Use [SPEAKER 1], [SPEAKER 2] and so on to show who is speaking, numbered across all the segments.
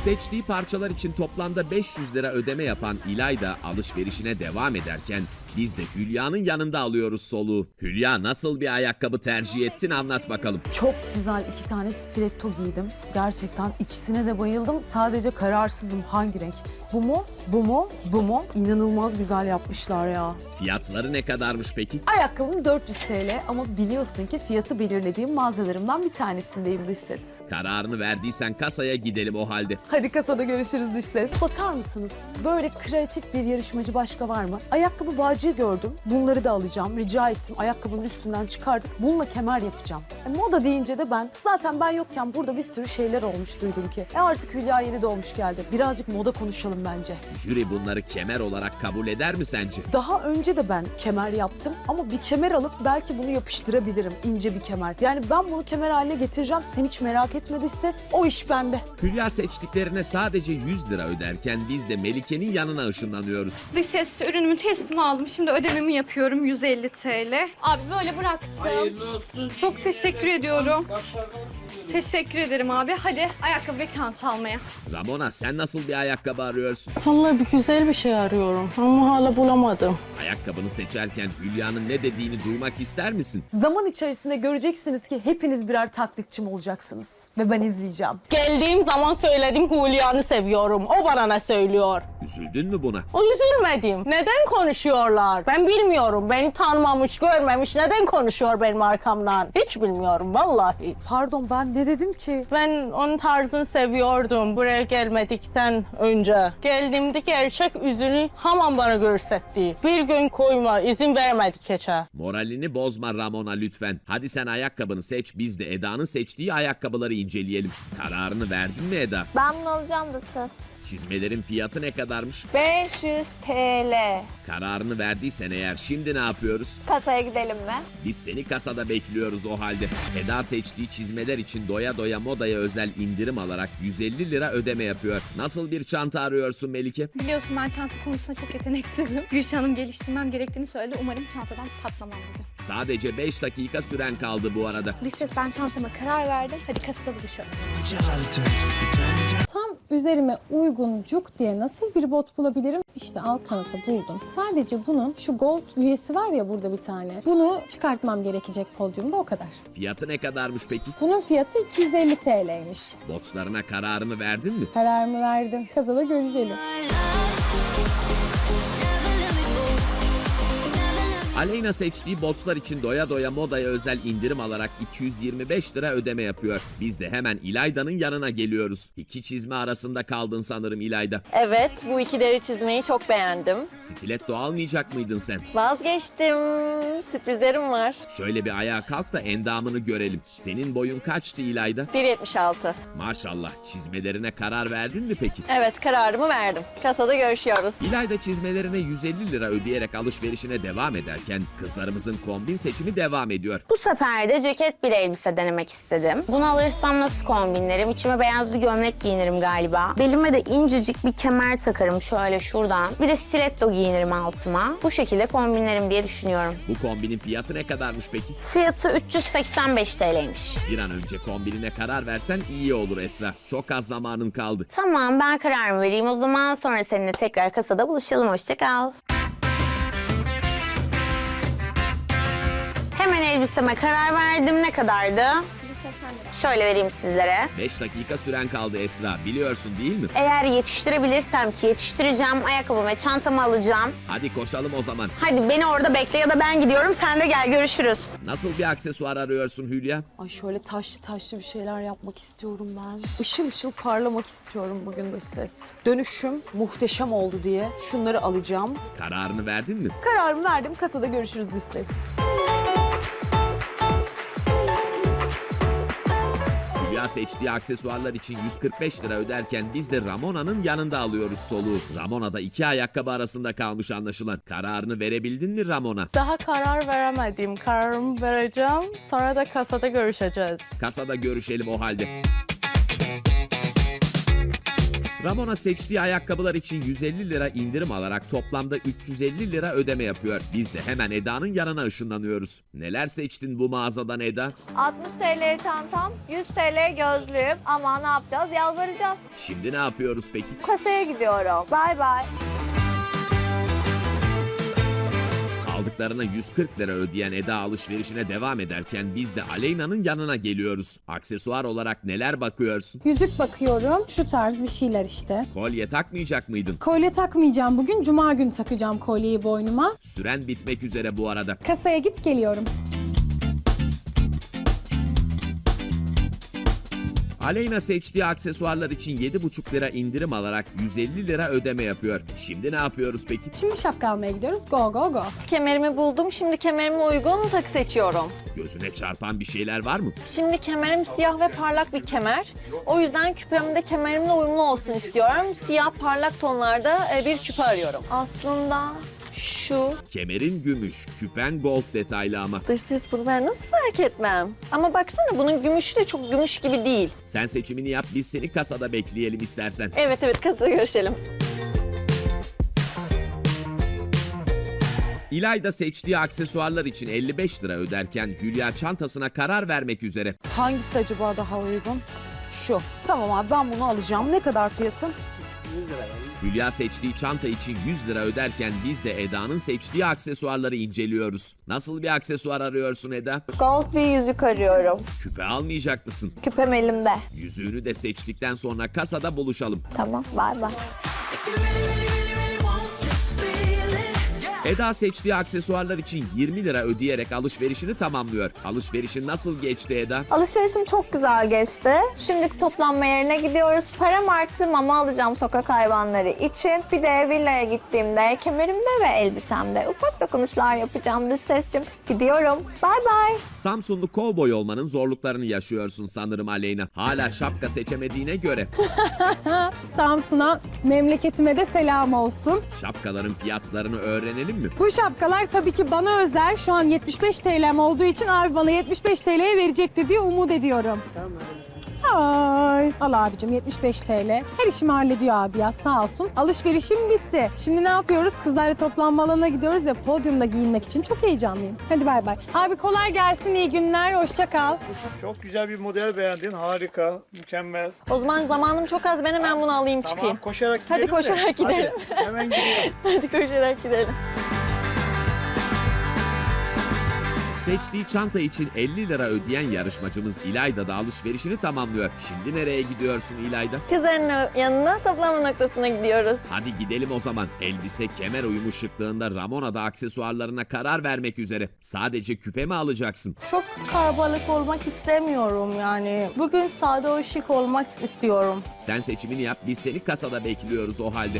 [SPEAKER 1] Seçtiği parçalar için toplamda 500 lira ödeme yapan İlayda alışverişine devam ederken biz de Hülya'nın yanında alıyoruz soluğu. Hülya, nasıl bir ayakkabı tercih ettin, anlat bakalım.
[SPEAKER 2] Çok güzel 2 tane stiletto giydim. Gerçekten ikisine de bayıldım. Sadece kararsızım hangi renk. Bu mu? Bu mu? Bu mu? İnanılmaz güzel yapmışlar ya.
[SPEAKER 1] Fiyatları ne kadarmış peki?
[SPEAKER 2] Ayakkabım 400 TL ama biliyorsun ki fiyatı belirlediğim mağazalarımdan bir tanesindeyim dış ses.
[SPEAKER 1] Kararını verdiysen kasaya gidelim o halde.
[SPEAKER 2] Hadi kasada görüşürüz dış ses. Bakar mısınız? Böyle kreatif bir yarışmacı başka var mı? Ayakkabı bağcığı gördüm. Bunları da alacağım. Rica ettim. Ayakkabının üstünden çıkardık. Bununla kemer yapacağım. Moda deyince de zaten ben yokken burada bir sürü şeyler olmuş duydum ki. Artık Hülya yeni doğmuş geldi. Birazcık moda konuşalım bence.
[SPEAKER 1] Jüri bunları kemer olarak kabul eder mi sence?
[SPEAKER 2] Daha önce de ben kemer yaptım ama bir kemer alıp belki bunu yapıştırabilirim. İnce bir kemer. Yani ben bunu kemer haline getireceğim. Sen hiç merak etme dış ses. O iş bende.
[SPEAKER 1] Hülya seçtiklerine sadece 100 lira öderken biz de Melike'nin yanına ışınlanıyoruz.
[SPEAKER 3] Dış ses ürünümü teslim aldım. Şimdi ödememi yapıyorum 150 TL. Abi böyle bıraktım.
[SPEAKER 4] Hayırlı olsun.
[SPEAKER 3] Çok teşekkür ediyorum. Teşekkür ederim abi. Hadi ayakkabı ve çanta almaya.
[SPEAKER 1] Ramona, sen nasıl bir ayakkabı arıyorsun?
[SPEAKER 5] Vallahi bir güzel bir şey arıyorum ama hala bulamadım.
[SPEAKER 1] Ayakkabını seçerken Hülya'nın ne dediğini duymak ister misin?
[SPEAKER 2] Zaman içerisinde göreceksiniz ki hepiniz birer taklitçim olacaksınız. Ve ben izleyeceğim.
[SPEAKER 5] Geldiğim zaman söyledim Hülya'nı seviyorum. O bana ne söylüyor?
[SPEAKER 1] Üzüldün mü buna?
[SPEAKER 5] O üzülmedim. Neden konuşuyorlar? Ben bilmiyorum. Beni tanımamış, görmemiş. Neden konuşuyor benim arkamdan? Hiç bilmiyorum vallahi.
[SPEAKER 2] Pardon, ben ne dedim ki?
[SPEAKER 5] Ben onun tarzını seviyordum buraya gelmedikten önce. Geldiğimde gerçek yüzünü hemen bana görsetti. Bir gün koyma, izin vermedi keçe.
[SPEAKER 1] Moralini bozma Ramona lütfen. Hadi sen ayakkabını seç, biz de Eda'nın seçtiği ayakkabıları inceleyelim. Kararını verdin mi Eda?
[SPEAKER 6] Ben bunu alacağım da söz.
[SPEAKER 1] Çizmelerin fiyatı ne kadarmış?
[SPEAKER 6] 500 TL.
[SPEAKER 1] Kararını verdiysen eğer şimdi ne yapıyoruz?
[SPEAKER 6] Kasaya gidelim mi?
[SPEAKER 1] Biz seni kasada bekliyoruz o halde. Eda seçtiği çizmeler için doya doya modaya özel indirim alarak 150 lira ödeme yapıyor. Nasıl bir çanta arıyorsun Melike?
[SPEAKER 3] Biliyorsun ben çanta konusunda çok yeteneksizim. Gülşah'ım geliştirmem gerektiğini söyledi. Umarım çantadan patlamam bugün.
[SPEAKER 1] Sadece 5 dakika süren kaldı bu arada.
[SPEAKER 3] Dış ses ben çantama karar verdim. Hadi kasada buluşalım.
[SPEAKER 7] Tam üzerime uygun cuk diye nasıl bir bot bulabilirim? İşte alt kanatı buldum. Sadece bunun şu gold üyesi var ya burada bir tane. Bunu çıkartmam gerekecek podyumda, o kadar.
[SPEAKER 1] Fiyatı ne kadarmış peki?
[SPEAKER 7] Bunun fiyatı 250 TL'ymiş.
[SPEAKER 1] Botlarına kararını verdin mi?
[SPEAKER 7] Kararımı verdim. Kasada görüşelim.
[SPEAKER 1] Aleyna seçtiği botlar için doya doya modaya özel indirim alarak 225 lira ödeme yapıyor. Biz de hemen İlayda'nın yanına geliyoruz. İki çizme arasında kaldın sanırım İlayda.
[SPEAKER 8] Evet, bu iki deri çizmeyi çok beğendim.
[SPEAKER 1] Stiletto almayacak mıydın sen?
[SPEAKER 8] Vazgeçtim. Sürprizlerim var.
[SPEAKER 1] Şöyle bir ayağa kalk da endamını görelim. Senin boyun kaçtı İlayda?
[SPEAKER 8] 1.76.
[SPEAKER 1] Maşallah, çizmelerine karar verdin mi peki?
[SPEAKER 8] Evet, kararımı verdim. Kasada görüşüyoruz.
[SPEAKER 1] İlayda çizmelerine 150 lira ödeyerek alışverişine devam ederken kızlarımızın kombin seçimi devam ediyor.
[SPEAKER 9] Bu sefer de ceket bir elbise denemek istedim. Bunu alırsam nasıl kombinlerim? İçime beyaz bir gömlek giyinirim galiba. Belime de incecik bir kemer takarım şöyle şuradan. Bir de stiletto giyinirim altıma. Bu şekilde kombinlerim diye düşünüyorum.
[SPEAKER 1] Bu kombinin fiyatı ne kadarmış peki?
[SPEAKER 9] Fiyatı 385 TL'ymiş.
[SPEAKER 1] Bir an önce kombinine karar versen iyi olur Esra. Çok az zamanın kaldı.
[SPEAKER 9] Tamam, ben kararımı vereyim. O zaman sonra seninle tekrar kasada buluşalım. Hoşça kal. Hemen elbiseme karar verdim. Ne kadardı? Şöyle vereyim sizlere.
[SPEAKER 1] 5 dakika süren kaldı Esra. Biliyorsun değil mi?
[SPEAKER 9] Eğer yetiştirebilirsem ki yetiştireceğim, ayakkabımı ve çantamı alacağım.
[SPEAKER 1] Hadi koşalım o zaman.
[SPEAKER 9] Hadi beni orada bekle ya da ben gidiyorum, sen de gel, görüşürüz.
[SPEAKER 1] Nasıl bir aksesuar arıyorsun Hülya?
[SPEAKER 2] Ay şöyle taşlı taşlı bir şeyler yapmak istiyorum ben. Işıl ışıl parlamak istiyorum bugün de ses. Dönüşüm muhteşem oldu diye şunları alacağım.
[SPEAKER 1] Kararını verdin mi?
[SPEAKER 2] Kararımı verdim. Kasada görüşürüz dış ses.
[SPEAKER 1] Hülya seçtiği aksesuarlar için 145 lira öderken biz de Ramona'nın yanında alıyoruz soluğu. Ramona da iki ayakkabı arasında kalmış anlaşılan. Kararını verebildin mi Ramona?
[SPEAKER 5] Daha karar veremedim. Kararımı vereceğim. Sonra da kasada görüşeceğiz.
[SPEAKER 1] Kasada görüşelim o halde. Ramona seçtiği ayakkabılar için 150 lira indirim alarak toplamda 350 lira ödeme yapıyor. Biz de hemen Eda'nın yanına ışınlanıyoruz. Neler seçtin bu mağazadan Eda?
[SPEAKER 6] 60 TL çantam, 100 TL gözlüğüm. Ama ne yapacağız? Yalvaracağız.
[SPEAKER 1] Şimdi ne yapıyoruz peki?
[SPEAKER 6] Kasaya gidiyorum. Bay bay.
[SPEAKER 1] Aldıklarına 140 lira ödeyen Eda alışverişine devam ederken biz de Aleyna'nın yanına geliyoruz. Aksesuar olarak neler bakıyorsun?
[SPEAKER 7] Yüzük bakıyorum. Şu tarz bir şeyler işte.
[SPEAKER 1] Kolye takmayacak mıydın?
[SPEAKER 7] Kolye takmayacağım bugün. Cuma günü takacağım kolyeyi boynuma.
[SPEAKER 1] Süren bitmek üzere bu arada.
[SPEAKER 7] Kasaya git geliyorum.
[SPEAKER 1] Aleyna seçtiği aksesuarlar için 7,5 lira indirim alarak 150 lira ödeme yapıyor. Şimdi ne yapıyoruz peki?
[SPEAKER 7] Şimdi şapka almaya gidiyoruz. Go go go.
[SPEAKER 8] Kemerimi buldum. Şimdi kemerime uygun takı seçiyorum.
[SPEAKER 1] Gözüne çarpan bir şeyler var mı?
[SPEAKER 8] Şimdi kemerim siyah ve parlak bir kemer. O yüzden küpem de kemerimle uyumlu olsun istiyorum. Siyah parlak tonlarda bir küpe arıyorum. Aslında şu
[SPEAKER 1] Kemerin gümüş, küpen gold detaylı ama.
[SPEAKER 8] dış ses bunu ben nasıl fark etmem? Ama baksana bunun gümüşü de çok gümüş gibi değil.
[SPEAKER 1] Sen seçimini yap, biz seni kasada bekleyelim istersen.
[SPEAKER 8] Evet kasada görüşelim.
[SPEAKER 1] İlayda seçtiği aksesuarlar için 55 lira öderken Hülya çantasına karar vermek üzere.
[SPEAKER 2] Hangisi acaba daha uygun? Şu. Tamam abi ben bunu alacağım. Ne kadar fiyatın?
[SPEAKER 1] Hülya seçtiği çanta için 100 lira öderken biz de Eda'nın seçtiği aksesuarları inceliyoruz. Nasıl bir aksesuar arıyorsun Eda?
[SPEAKER 6] Gold bir yüzük arıyorum.
[SPEAKER 1] Küpe almayacak mısın?
[SPEAKER 6] Küpem elimde.
[SPEAKER 1] Yüzüğünü de seçtikten sonra kasada buluşalım.
[SPEAKER 6] Tamam, bay bay.
[SPEAKER 1] Eda seçtiği aksesuarlar için 20 lira ödeyerek alışverişini tamamlıyor. Alışverişin nasıl geçti Eda?
[SPEAKER 6] Alışverişim çok güzel geçti. Şimdi toplanma yerine gidiyoruz. Param arttı, mama alacağım sokak hayvanları için. Bir de villaya gittiğimde kemerimde ve elbisemde ufak dokunuşlar yapacağım dış sesçim. Gidiyorum. Bay bay.
[SPEAKER 1] Samsunlu kovboy olmanın zorluklarını yaşıyorsun sanırım Aleyna. Hala şapka seçemediğine göre.
[SPEAKER 7] Samsun'a, memleketime de selam olsun.
[SPEAKER 1] Şapkaların fiyatlarını öğrenelim mi?
[SPEAKER 7] Bu şapkalar tabii ki bana özel. Şu an 75 TL'm olduğu için abi bana 75 TL'ye verecektir diye umut ediyorum. Ay. Al abicim 75 TL. Her işimi hallediyor abi ya sağ olsun. Alışverişim bitti. Şimdi ne yapıyoruz? Kızlarla toplanma alanına gidiyoruz ve podyumda giyinmek için çok heyecanlıyım. Hadi bay bay. Abi kolay gelsin, iyi günler, hoşça kal.
[SPEAKER 4] Çok güzel bir model beğendin. Harika, mükemmel.
[SPEAKER 8] O zaman zamanım çok az. Ben hemen bunu alayım çıkayım.
[SPEAKER 4] Tamam, koşarak gidelim
[SPEAKER 8] Hadi
[SPEAKER 4] de.
[SPEAKER 8] koşarak gidelim.
[SPEAKER 4] Hadi, hemen gidiyorum.
[SPEAKER 8] Hadi koşarak gidelim.
[SPEAKER 1] Seçtiği çanta için 50 lira ödeyen yarışmacımız İlayda da alışverişini tamamlıyor. Şimdi nereye gidiyorsun İlayda?
[SPEAKER 8] Kızların yanına toplanma noktasına gidiyoruz.
[SPEAKER 1] Hadi gidelim o zaman. Elbise kemer uyumu şıklığında Ramona da aksesuarlarına karar vermek üzere. Sadece küpe mi alacaksın?
[SPEAKER 5] Çok kalabalık olmak istemiyorum yani. Bugün sade o şık olmak istiyorum.
[SPEAKER 1] Sen seçimini yap, biz seni kasada bekliyoruz o halde.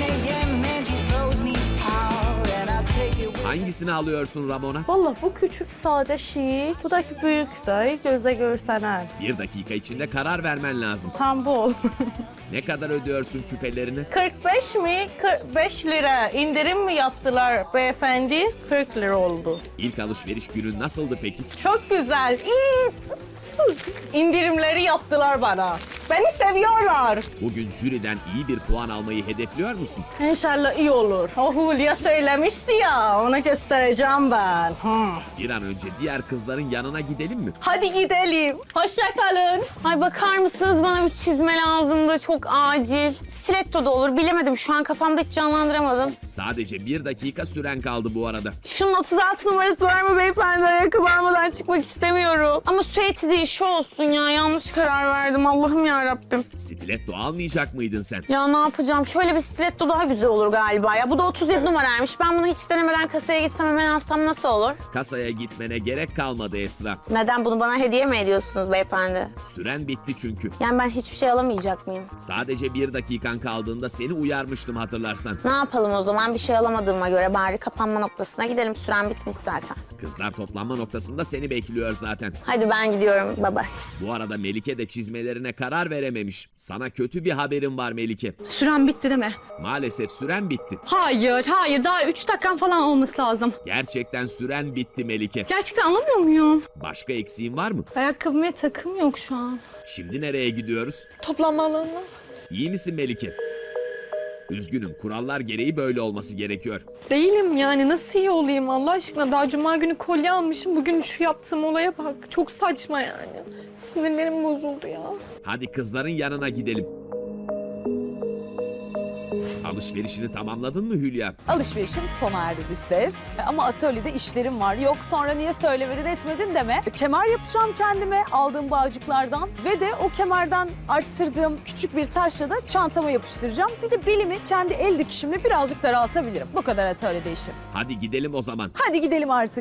[SPEAKER 1] Hangisini alıyorsun Ramona?
[SPEAKER 5] Vallahi bu küçük sade şık, bu da büyük de göze görsenen.
[SPEAKER 1] 1 dakika içinde karar vermen lazım.
[SPEAKER 5] Tam bu.
[SPEAKER 1] Ne kadar ödüyorsun küpelerini?
[SPEAKER 5] 45 mi? 45 lira. İndirim mi yaptılar beyefendi? 40 lira oldu.
[SPEAKER 1] İlk alışveriş günün nasıldı peki?
[SPEAKER 5] Çok güzel. İyi. İndirimleri yaptılar bana. Beni seviyorlar.
[SPEAKER 1] Bugün jüriden iyi bir puan almayı hedefliyor musun?
[SPEAKER 5] İnşallah iyi olur. O Hulya söylemişti ya, ona göstereceğim ben.
[SPEAKER 1] Bir an önce diğer kızların yanına gidelim mi?
[SPEAKER 5] Hadi gidelim. Hoşça kalın.
[SPEAKER 9] Ay bakar mısınız bana bir çizme lazımdı çok acil. Stiletto da olur bilemedim şu an kafamda hiç canlandıramadım.
[SPEAKER 1] Sadece 1 dakika süren kaldı bu arada.
[SPEAKER 9] Şunun 36 numarası var mı beyefendi? Ayakkabı almadan çıkmak istemiyorum. Ama süeti değil şu olsun ya yanlış karar verdim Allah'ım ya Rabbim.
[SPEAKER 1] Stiletto almayacak mıydın sen?
[SPEAKER 9] Ya ne yapacağım? Şöyle bir stiletto daha güzel olur galiba ya. Bu da 37 numaraymış. Ben bunu hiç denemeden kasaya gitsem hemen alsam nasıl olur?
[SPEAKER 1] Kasaya gitmene gerek kalmadı Esra.
[SPEAKER 9] Neden bunu bana hediye mi ediyorsunuz beyefendi?
[SPEAKER 1] Süren bitti çünkü.
[SPEAKER 9] Yani ben hiçbir şey alamayacak mıyım?
[SPEAKER 1] Sadece 1 dakikan kaldığında seni uyarmıştım hatırlarsan.
[SPEAKER 9] Ne yapalım o zaman? Bir şey alamadığıma göre bari kapanma noktasına gidelim. Süren bitmiş zaten.
[SPEAKER 1] Kızlar toplanma noktasında seni bekliyor zaten.
[SPEAKER 9] Hadi ben gidiyorum. Bye bye.
[SPEAKER 1] Bu arada Melike de çizmelerine karar verememiş. Sana kötü bir haberim var Melike.
[SPEAKER 3] Süren bitti değil mi?
[SPEAKER 1] Maalesef süren bitti.
[SPEAKER 3] Hayır. Daha 3 dakikam falan olması lazım.
[SPEAKER 1] Gerçekten süren bitti Melike.
[SPEAKER 3] Gerçekten anlamıyor muyum?
[SPEAKER 1] Başka eksiğin var mı?
[SPEAKER 3] Ayakkabım ve takım yok şu an.
[SPEAKER 1] Şimdi nereye gidiyoruz?
[SPEAKER 3] Toplanma alanına.
[SPEAKER 1] İyi misin Melike? Üzgünüm, kurallar gereği böyle olması gerekiyor.
[SPEAKER 10] Değilim yani, nasıl iyi olayım Allah aşkına? Daha cuma günü kolye almışım. Bugün şu yaptığım olaya bak. Çok saçma yani. Sinirlerim bozuldu ya.
[SPEAKER 1] Hadi kızların yanına gidelim. Alışverişini tamamladın mı Hülya?
[SPEAKER 2] Alışverişim sona erdi dış ses. Ama atölyede işlerim var. Yok sonra niye söylemedin etmedin deme. Kemer yapacağım kendime aldığım bağcıklardan. Ve de o kemerden arttırdığım küçük bir taşla da çantama yapıştıracağım. Bir de belimi kendi el dikişimle birazcık daraltabilirim. Bu kadar atölyede işim.
[SPEAKER 1] Hadi gidelim o zaman.
[SPEAKER 2] Hadi gidelim artık.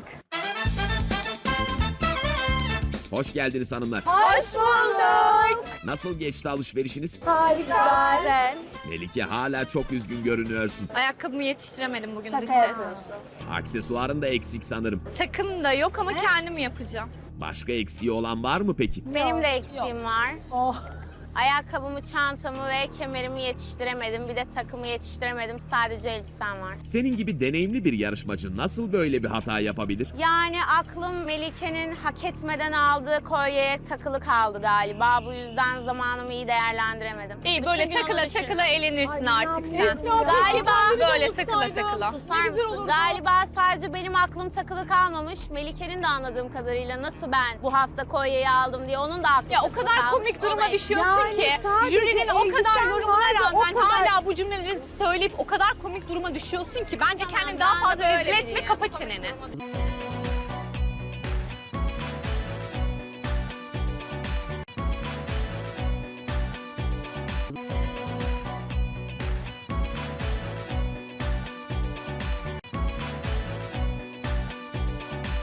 [SPEAKER 1] Hoş geldiniz hanımlar.
[SPEAKER 2] Hoş bulduk.
[SPEAKER 1] Nasıl geçti alışverişiniz?
[SPEAKER 6] Güzel.
[SPEAKER 1] Melike hala çok üzgün görünüyorsun.
[SPEAKER 3] Ayakkabımı yetiştiremedim bugün
[SPEAKER 6] Şaka
[SPEAKER 3] dış ses.
[SPEAKER 6] yapıyorsun.
[SPEAKER 1] Aksesuarın da eksik sanırım.
[SPEAKER 3] Takım da yok ama kendim yapacağım.
[SPEAKER 1] Başka eksiği olan var mı peki?
[SPEAKER 9] Benim de eksiğim var.
[SPEAKER 7] Oh.
[SPEAKER 9] Ayakkabımı, çantamı ve kemerimi yetiştiremedim. Bir de takımı yetiştiremedim. Sadece elbisem var.
[SPEAKER 1] Senin gibi deneyimli bir yarışmacı nasıl böyle bir hata yapabilir?
[SPEAKER 9] Yani aklım Melike'nin hak etmeden aldığı kolyeye takılı kaldı galiba. Bu yüzden zamanımı iyi değerlendiremedim.
[SPEAKER 3] İyi
[SPEAKER 9] Bütün
[SPEAKER 3] böyle
[SPEAKER 9] gün onu
[SPEAKER 3] takıla
[SPEAKER 9] düşündüm.
[SPEAKER 3] takıla eğlenirsin artık sen.
[SPEAKER 9] Galiba
[SPEAKER 3] Böyle takıla takıla.
[SPEAKER 9] Susar mısın? Galiba sadece benim aklım takılı kalmamış. Melike'nin de anladığım kadarıyla nasıl ben bu hafta kolyeyi aldım diye onun da aklı
[SPEAKER 3] Ya o
[SPEAKER 9] takılı
[SPEAKER 3] kadar
[SPEAKER 9] kalmış.
[SPEAKER 3] komik duruma
[SPEAKER 9] Ona-
[SPEAKER 3] düşüyorsun ki
[SPEAKER 7] sadece
[SPEAKER 3] jürinin o kadar
[SPEAKER 7] elbisen
[SPEAKER 3] yorumuna
[SPEAKER 7] vardı, o
[SPEAKER 3] rağmen
[SPEAKER 7] kadar.
[SPEAKER 3] hala bu cümleleri söyleyip o kadar komik duruma düşüyorsun ki bence kendini daha fazla rezil etme, kapa çeneni.